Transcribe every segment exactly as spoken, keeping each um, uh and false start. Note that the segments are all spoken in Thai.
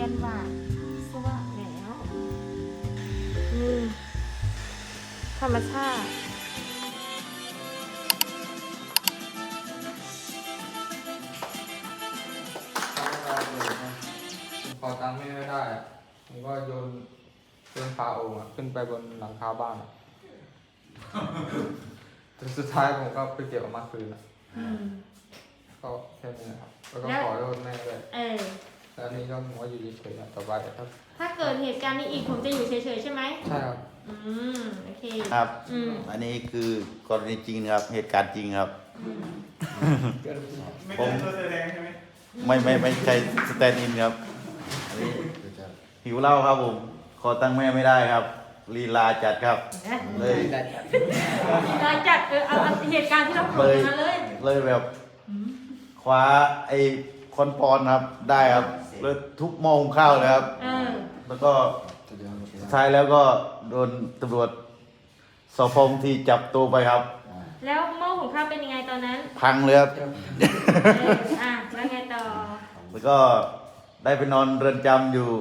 นว่าสว่างแล้วอืมธรรมชาติพอตังค์ไม่ได้ผมก็โยนโยนฝาโอ่งขึ้นไปบนหลังคาบ้านจนสุดท้ายผมก็ไปเก็บออกมาคืนก็แค่นี้นะครับแล้วก็ขอโทษแม่ด้วยเออแล้วนี่ก็ผมว่าอยู่เฉยๆต่อไปครับถ้าเกิดเหตุการณ์นี้อีกผมจะอยู่เฉยๆใช่ไหมใช่ครับอืมโอเคครับอันนี้คือกรณีจริงครับเหตุการณ์จริงครับผมไม่ไม่ไม่ใช่สแตนด์อินครับอันนี้หิวเหล้าครับผมขอตั้งแม่ไม่ได้ครับลีลาจัดครับเลยลีลาจัดเออเอาเหตุการณ์ที่เราเกิดมาเลยเลยแบบคว้าไอ้คอนปอนครับได้ครับเลยทุบหม้อหุงข้าวเลยครับแล้วก็ท้ายแล้วก็โดนตำรวจสพงที่จับตัวไปครับแล้วหม้อหุงข้าวเป็นยังไงตอนนั้นพังเลยครับอ่ะแล้วไงต่อแล้วก็ได้ไปนอนเรือนจำอยู่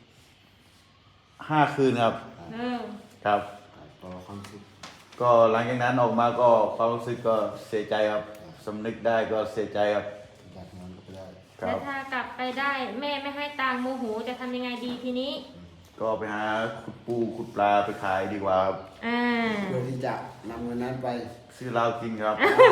ห้าคืนครับครับก็หลังจากนั้นออกมาก็ความรู้สึกก็เสียใจครับสำนึกได้ก็เสียใจครับแล้วถ้ากลับไปได้แม่ไม่ให้ตังค์โมโหจะทำยังไงดีทีนี้ก็ไปหาขุดปูขุดปลาไปขายดีกว่าครับเพื่อที่จะนำเงินนั้นไปซื้อเหล้ากินครับ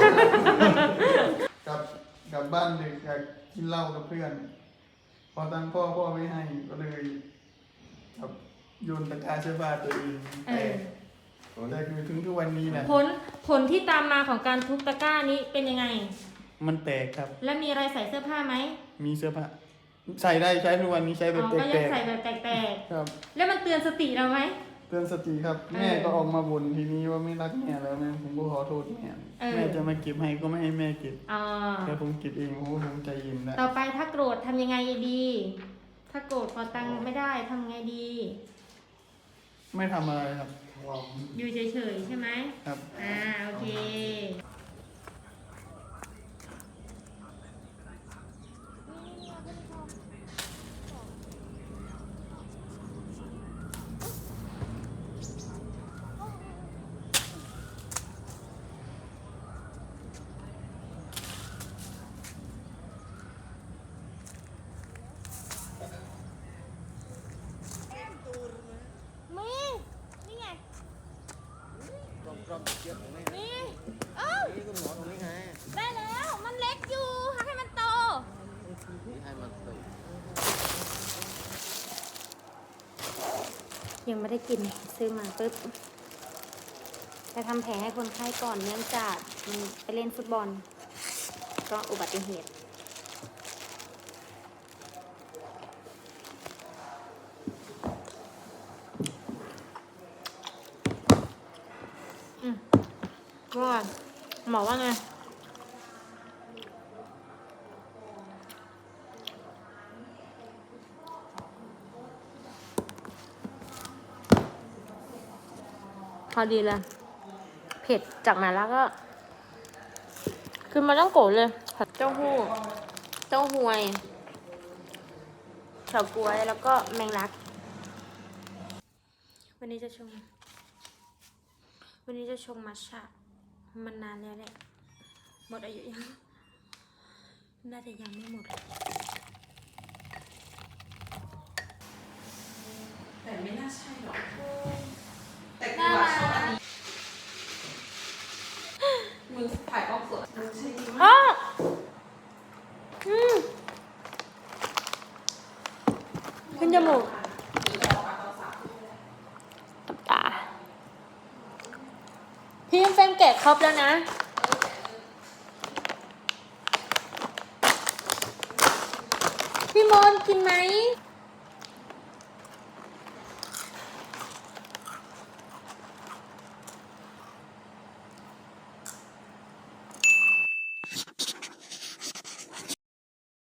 กลับกลับบ้านดึกอยากกินเหล้ากับเพื่อนพอตังพ่อพ่อไม่ให้ก็เลยครับโยนตะกร้าเสื้อผ้าตัวเองแต่แต่คือถึงทุกวันนี้แหละผลผลที่ตามมาของการทุบตะกร้านี้เป็นยังไงมันแตกครับแล้วมีอะไรใส่เสื้อผ้าไหมมีเสื้อผ้าใส่ได้ใช้ทุกวันนี้ใช้แบบแตกๆก็ยังใส่แบบแตกๆครับแล้วมันเตือนสติเราไหมเตือนสติครับแม่ก็ออกมาบ่นทีนี้ว่าไม่รักแม่แล้วแม่ผมก็ขอโทษแม่แม่จะมาเก็บให้ก็ไม่ให้แม่เก็บแต่ผมเก็บเองผมก็คงใจเย็นนะต่อไปถ้าโกรธทำยังไงดี ถ้าโกรธพอตังไม่ได้ทำไงดีไม่ทำอะไรครับอยู่เฉยๆใช่ไหมครับอ่าโอเคนี่เอ้าได้แล้วมันเล็กอยู่ให้มันโตยังไม่ได้กินซื้อมาปึ๊บไปทำแผลให้คนไข้ก่อนเนื่องจากไปเล่นฟุตบอลก็อุบัติเหตุว่าหมอว่าไงพอดีเลยเผ็ดจากมาแล้วก็คือมันต้องโกรธเลยผัดเต้าหู้เต้าหวยเฉาก๊วยแล้วก็แมงลักวันนี้จะชงวันนี้จะชงมัทฉะมันนานแล้วแหละหมดอายุยังน่าจะยังไม่หมดแต่ไม่น่าใช่หรอกแต่กูว่าชอบอันนี้มึงถ่ายออกสดมึงใช่ไหมอ๋ออืมขึ้นจมูกตาพี่เฟมแกะครบแล้วนะพี่มนกินไหม